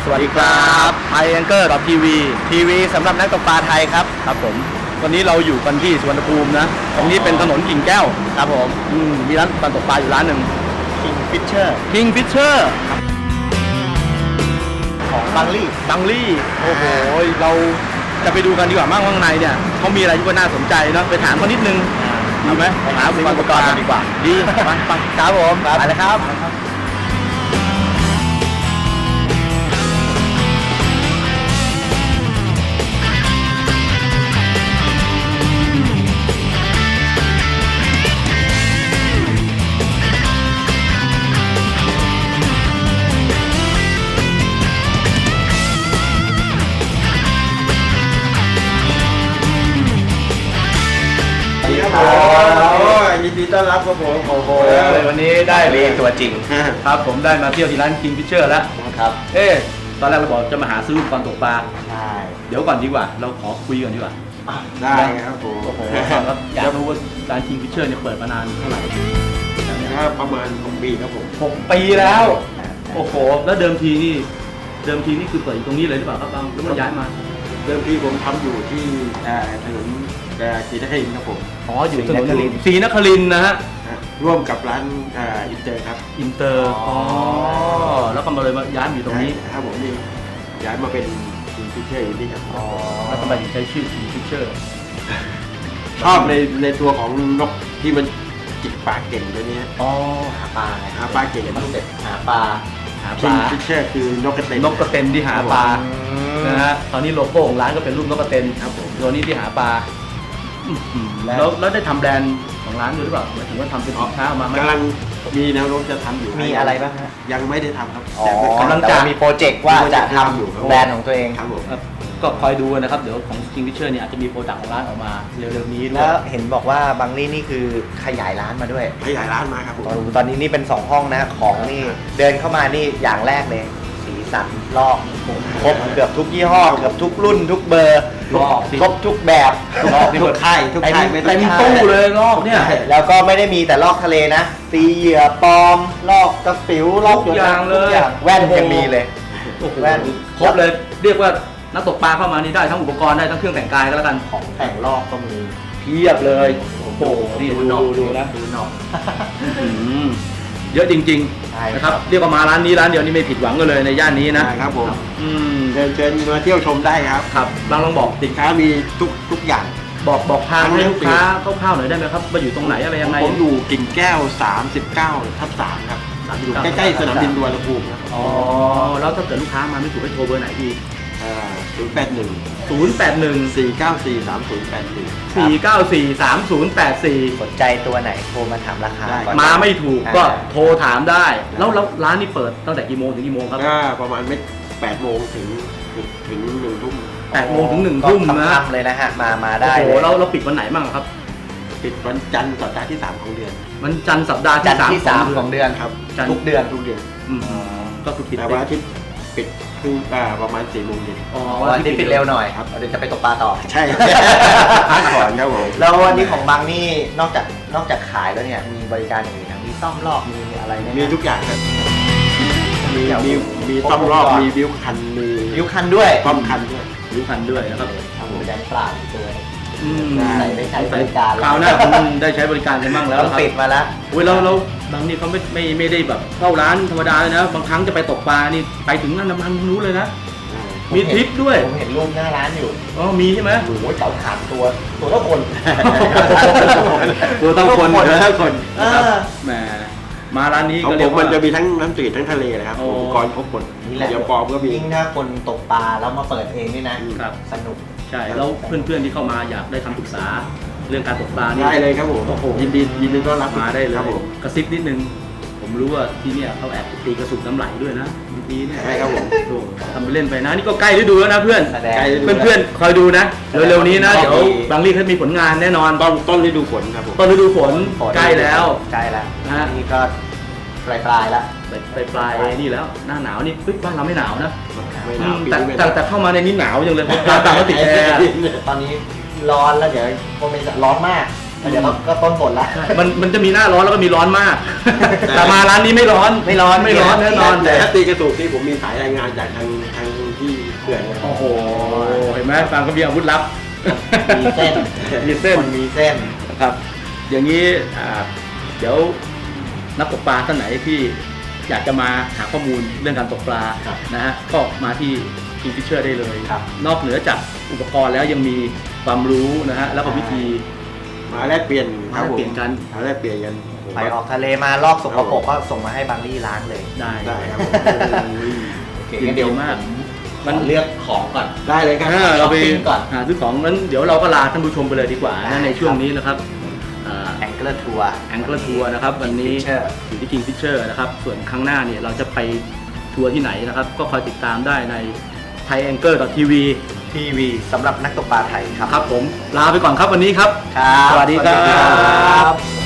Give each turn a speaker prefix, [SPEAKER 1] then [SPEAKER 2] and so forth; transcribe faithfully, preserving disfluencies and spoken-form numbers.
[SPEAKER 1] วัสดีครับไทยแองเกอร์ทีวีทีวีสำหรับนักตกปลาไทยครับครับผมวันนี้เราอยู่กันที่สุวรรณภูมินะตรงนี้เป็นถนนกิ่งแก้วครับผมมีร้านการตกปลาอยู่ร้านหนึ่ง
[SPEAKER 2] King Fisher
[SPEAKER 1] King Fisher
[SPEAKER 2] ของบังลี่
[SPEAKER 1] บังลี่โอ้โหเราจะไปดูกันดีกว่ามั่งข้างในเนี่ยเขามีอะไรที่น่าสนใจเนาะไปถามเขานิดนึงดีไหมไปหาอุปกรณ์กันดีกว่าดีไปไปครับผมไปเลยครับ
[SPEAKER 2] ยินดีต้อนรับครับผมโอ้โห
[SPEAKER 1] วันนี้ได้เรียนตัวจริงครับผมได้มาเที่ยวที่ร้าน King Fisher แล้วครับเอ๊ะตอนแรกเราบอกจะมาหาซื้ออุปกรณ์ตกปลาใช่เดี๋ยวก่อนดีกว่าเราขอคุยกันดีกว่า
[SPEAKER 2] ได้ครับผม
[SPEAKER 1] โอ้โหครับอยากรู้ว่าร้าน King Fisher เนี่ยเปิดมานานเท่าไหร่
[SPEAKER 2] ประมาณหกปีครับผม
[SPEAKER 1] หกปีแล้วโอ้โหแล้วเดิมทีนี่เดิมทีนี่คือเปิดอยู่ตรงนี้เลยหรือเปล่าครับบางหรือว่าย้ายมา
[SPEAKER 2] เดิมทีผมทำอยู่ที่ถนนศรีนครินทร์ครับผม
[SPEAKER 1] อ๋ออยู่ถนนศรีนครินทร์นะฮะ
[SPEAKER 2] ร่วมกับร้านอินเตอร์ครับ
[SPEAKER 1] อินเตอร์อ๋อแล้วก็มาเลยมาย้ายมาอยู่ตรงนี้
[SPEAKER 2] ครับผมนี่ย้ายมาเป็นคิงฟิชเชอร์อยู่นี่ครับ
[SPEAKER 1] อ๋อแล้วทำไมถึงใช้ชื่อคิงฟิชเชอร์
[SPEAKER 2] ชอบในในตัวของนกที่มันจิกปลาเก่งตัวนี้
[SPEAKER 1] อ๋อหาปลา
[SPEAKER 2] หาปลาเก่ง
[SPEAKER 1] มันเสร็จหาปลา
[SPEAKER 2] หาปลาคิงฟิชเชอร์คือนกกระเตน
[SPEAKER 1] นกกระเตนที่หาปลานะฮะตอนนี้โลโก้ของร้านก็เป็นรูปนกกระเตนครับผมตัวนี้ที่หาปลาแล้วแล้วได้ทำแบรนด์ของร้านด้วยหรือเปล่าหมายถึงว่าทำเป็นสินค้าออกมาไหม
[SPEAKER 2] กำลังมีแนวโน้มจะทำอยู่
[SPEAKER 1] มีอะไรบ้างฮะ
[SPEAKER 2] ยังไม่ได้ทำครับ
[SPEAKER 1] แต่กำลังจะมีโปรเจกต์ว่าจะทำอยู่แบรนด์ของตัวเอง
[SPEAKER 2] ครับผม
[SPEAKER 1] ก็คอยดูนะครับเดี๋ยวของ King Fisher เนี่ยอาจจะมีโปรดักต์ของร้านออกมาเร็วๆนี้
[SPEAKER 3] แล้วเห็นบอกว่าบังลี่นี่คือขยายร้านมาด้วย
[SPEAKER 2] ขยายร้านมาครับผม
[SPEAKER 3] ตอนนี้นี่เป็นสองห้องนะของนี่เดินเข้ามานี่อย่างแรกเลยสีสันลอกครบเกือบทุกยี่ห้อเกือบทุกรุ่นทุกเบอร์ครบทุกแบบ
[SPEAKER 2] ทุกค่ายทุกค่าย
[SPEAKER 1] เต็มตู้เลยลอกเนี่ย
[SPEAKER 3] แล้วก็ไม่ได้มีแต่ลอกทะเลนะตีเหยื่อปลอมลอกกระปิวลอก
[SPEAKER 1] ทุกอย่างเลย
[SPEAKER 3] แว่นยังมีเลย
[SPEAKER 1] แว่นครบเลยเรียกว่านักตกปลาเข้ามานี่ได้ทั้งอุปกรณ์ได้ทั้งเครื่องแต่งกายก็แล้วกัน
[SPEAKER 3] ของแต่งลอกก็มี
[SPEAKER 1] เพียบเลยโอ้โหนี่ดูดูดูนะดูหนอกเยอะจริงๆนะครับเรียกว่ามาร้านนี้ร้านเดียวนี่ไม่ผิดหวังกันเลยในย่านนี้
[SPEAKER 2] นะครับผมเชิญเชิญมาเที่ยวชมได้ครับ
[SPEAKER 1] ครับบางลองบอก
[SPEAKER 2] สินค้ามีทุกทุกอย่าง
[SPEAKER 1] บอกบอกทางให้ลูกค้าคร่าวๆหน่อยได้ไหมครับว่าอยู่ตรงไหนอะไรยังไง
[SPEAKER 2] ผมอยู่กิ่งแก้วสามสิบเก้าทับสามครับอยู่ใกล้ๆสนามบินสุวรรณภูมิครับ
[SPEAKER 1] อ๋อแล้วถ้าเกิดลูกค้ามาไม่ถูกให้โทรเบอร์ไหนดี
[SPEAKER 2] ศูนย์แปดหนึ่ง
[SPEAKER 1] ศูนย์แปดหนึ่ง
[SPEAKER 2] สี่เก้าสี่ สามศูนย์แปดสี่
[SPEAKER 1] สี่เก้าสี่ สามศูนย์แปดสี่
[SPEAKER 3] สนใจตัวไหนโทรมาถามราคาก่อน
[SPEAKER 1] มาไม่ถูกก็โทรถามได้แล้วแล้วร้านนี้เปิดตั้งแต่กี่โมงถึงกี่โมงครับ
[SPEAKER 2] ประมาณไม่แปดโมงถึงถึงหนึ่งทุ่ม
[SPEAKER 1] แปดโมงถึงหนึ่งทุ่มนะ
[SPEAKER 3] เลยนะฮะมามาได้
[SPEAKER 1] โอ้โหเราเราปิดวันไหนบ้างครับ
[SPEAKER 2] ปิดวันจันทร์สัปดาห์ที่สามของเดือน
[SPEAKER 1] วันจันทร์สัปดาห์
[SPEAKER 3] ที่สามของเดือน
[SPEAKER 2] ครับ
[SPEAKER 3] ทุกเดือน
[SPEAKER 2] ทุกเดือน
[SPEAKER 1] ก็คือปิด
[SPEAKER 2] แต่วันอาทิตย์ปิดคือประมาณสี่โมงเย็น
[SPEAKER 3] อ๋อวันนี้ปิดเร็วหน่อยครับเดี๋ยวจะไปตกปลาต่อ
[SPEAKER 2] ใช่พักผ่อนครับผม
[SPEAKER 3] แล้ววันนี้ของบางนี่นอกจากนอกจากขายแล้วเนี่ยมีบริการอย่างอื่นมีซ่อมลอกมีอะไรไหม
[SPEAKER 2] มีทุกอย่างครับมีมีมีซ่อมลอกมีวิวคันมี
[SPEAKER 3] วิวคันด้วย
[SPEAKER 2] ซ่อมคันด้วย
[SPEAKER 1] วิวคันด้วยนะครับ
[SPEAKER 3] ทำบริการปลาตัว
[SPEAKER 1] ใส่
[SPEAKER 3] ได้ใช้บริการ
[SPEAKER 1] คราวหน้าผมได้ใช้บริการกันบ้างแล้ว
[SPEAKER 3] ครับปิดมาแล้ว
[SPEAKER 1] เว้ยเราเราบางนี่เขาไม่ไม่ไม่ได้แบบเข้าร้านธรรมดาเลยนะบางครั้งจะไปตกปลานี่ไปถึงนั่นน้ำมันรู้เลยนะมีทริปด้วย
[SPEAKER 3] ผมเห็นรูปหน้าร้านอยู่
[SPEAKER 1] อ๋อมีใช่ไหม
[SPEAKER 3] โอ้โหเต่าถ่านตัวตัวเท่าคน
[SPEAKER 1] ตัวเท่าคนตัวเท่าคนนะครับแหมมาร้านนี้ก็เรียก
[SPEAKER 2] ว่ามันจะมีทั้งน้ำจืดทั้งทะเลนะครับอุปกรณ์ครบหมด
[SPEAKER 3] นี่แหละ
[SPEAKER 2] เดี๋ยวปอมก็มี
[SPEAKER 3] ยิ่งถ้าคนตกปลาแล้วมาเปิดเองนี่นะสนุก
[SPEAKER 1] ใช่แล้วเพื่อนๆที่เข้ามาอยากได้คำปรึกษาเรื่องการตกปลานี่
[SPEAKER 2] ได้เลยครับผมยินดียินดีต้อนรับ
[SPEAKER 1] มาได้เลยกระซิบนิดนึงผมรู้ว่าที่เนี่ยเขาแอบตีกระสุนน้ำไหลด้วยนะบางทีเนี่ย
[SPEAKER 2] ใช่ครับผม
[SPEAKER 1] ทำไปเล่นไปนะนี่ก็ใกล้ฤดูแล้วนะเพื่อนเพื่อนเพื่อนคอยดูนะเร็วๆนี้นะเดี๋ยวบางรีเขามีผลงานแน่นอน
[SPEAKER 2] ต้นต้นฤดูฝนครับผม
[SPEAKER 1] ต้นฤดูฝนใกล้แล้ว
[SPEAKER 3] ใกล้แล้วนะนี่ก็ปลายปลายแล้ว
[SPEAKER 1] ปลายปลายนี่แล้วหน้าหนาวนี่ปึ๊บบ้านเราไม่หนาวนะแต่แต่เข้ามาในนี้หนาวยังเลยเพราะต่างก็ติดแอร์
[SPEAKER 3] ตอนนี้ร้อนแล้วเดี๋ยวคงเป็นร้อนมากเดี๋ยวก็ก็ต้นหมดละ
[SPEAKER 1] มันมันจะมีหน้าร้อนแล้วก็มีร้อนมาก แต่มาร้านนี้ไม่ร้อน
[SPEAKER 3] ไม่ร้อน
[SPEAKER 1] ไม่ร้อนแน่นอน
[SPEAKER 2] แต่ถ้าตีกระตุกที่ผมมีสายรายงานจากทางทางที่เขื่อนนะ
[SPEAKER 1] โอ้โหเห็นไหมฟางก็มีอาวุธลับ
[SPEAKER 3] มีเส้น
[SPEAKER 1] มีเส้น
[SPEAKER 3] คนมีเส้น
[SPEAKER 1] ครับ อย่างนี้อ่าเดี๋ยวนักตกปลาท่านไหนที่อยากจะมาหาข้อมูลเรื่องการตกปลา
[SPEAKER 3] ครับ
[SPEAKER 1] นะฮะก็มาที่ Kingfisher ได้เลย
[SPEAKER 3] ครับ
[SPEAKER 1] นอกเหนือจากอุปกรณ์แล้วยังมีความรู้นะฮะแล้วก็วิธี
[SPEAKER 2] มาแลกเปลี่ยนครับผม
[SPEAKER 1] มาแลกเปลี่ยนกัน
[SPEAKER 2] มาแลกเปลี่ยนกันผม
[SPEAKER 3] ไปออกทะเลมาลอกสกปรกก็ส่งมาให้บางรี่ล้างเลย
[SPEAKER 1] ได้
[SPEAKER 2] ได้ครับผม
[SPEAKER 3] โอเค
[SPEAKER 1] ยิน
[SPEAKER 3] งั้นเดี๋
[SPEAKER 1] ดี
[SPEAKER 3] ยว
[SPEAKER 1] มาก
[SPEAKER 3] มันเลือกของก่อน
[SPEAKER 2] ได้เลยครับ
[SPEAKER 1] อ่าเราไป
[SPEAKER 3] ช้อปปิ้งก่อน
[SPEAKER 1] หาซื้อของนั้นเดี๋ยวเราก็ลาท่านผู้ชมไปเลยดีกว่า
[SPEAKER 3] ได้
[SPEAKER 1] นะในช่วงนี้นะครับ
[SPEAKER 3] แองเกิลทัวร์
[SPEAKER 1] แองเกิลทัวร์นะครับวันนี้
[SPEAKER 3] Kingfisher
[SPEAKER 1] อยู่ที่ Kingfisher นะครับส่วนครั้งหน้าเนี่ยเราจะไปทัวร์ที่ไหนนะครับ ก็คอยติดตามได้ใน ไทยแองเกิล ที วี
[SPEAKER 3] ทีวีสำหรับนักตกปลาไทยครับ
[SPEAKER 1] ครับผมลาไปก่อนครับวันนี้ครับ
[SPEAKER 3] ครับ
[SPEAKER 1] สวัสดีครับ
[SPEAKER 3] สวัสดีครับ